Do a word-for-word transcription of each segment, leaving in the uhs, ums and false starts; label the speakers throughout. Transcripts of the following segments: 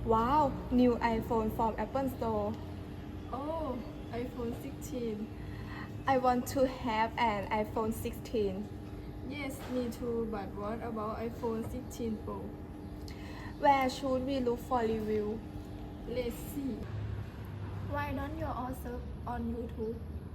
Speaker 1: Wow, new iPhone from Apple Store.
Speaker 2: Oh, iPhone sixteen.
Speaker 1: I want to have an iPhone sixteen.
Speaker 2: Yes, me too, but what about iPhone sixteen Pro?
Speaker 1: Where should we look for review?
Speaker 2: Let's see. Why don't you all search on YouTube?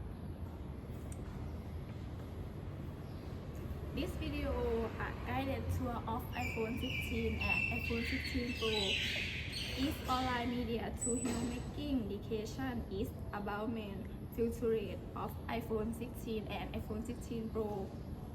Speaker 2: This video a guided tour of iPhone sixteen and iPhone sixteen Pro is online media to help making education is about main features of iPhone sixteen and iPhone sixteen Pro.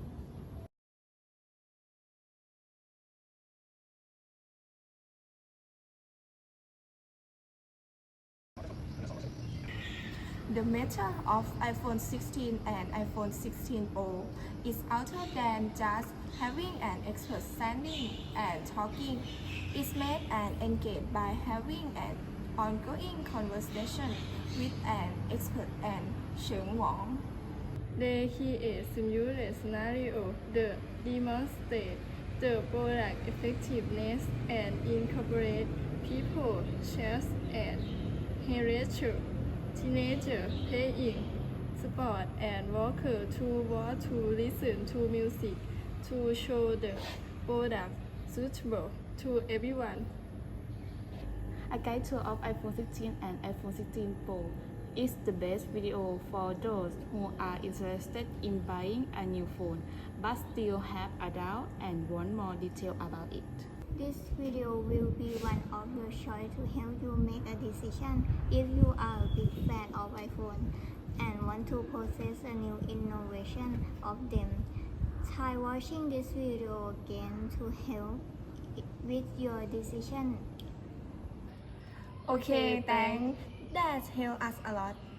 Speaker 1: The matter of iPhone sixteen and iPhone sixteen Pro is other than just having an expert standing and talking. It's made and engaged by having an ongoing conversation with an expert and Sheng Wang.
Speaker 2: They create simulate scenario that demonstrate the product effectiveness and incorporate people, chefs, and hairdresser, teenager playing sport and worker to watch to listen to music to show the product suitable to everyone.
Speaker 3: A guide tour of iPhone sixteen and iPhone sixteen Pro is the best video for those who are interested in buying a new phone but still have a doubt and want more detail about it.
Speaker 4: This video will be one of your choice to help you make a decision if you are a big fan of iPhone and want to possess a new innovation of them. Try watching this video again to help with your decision.
Speaker 1: Okay, thanks. That helped us a lot.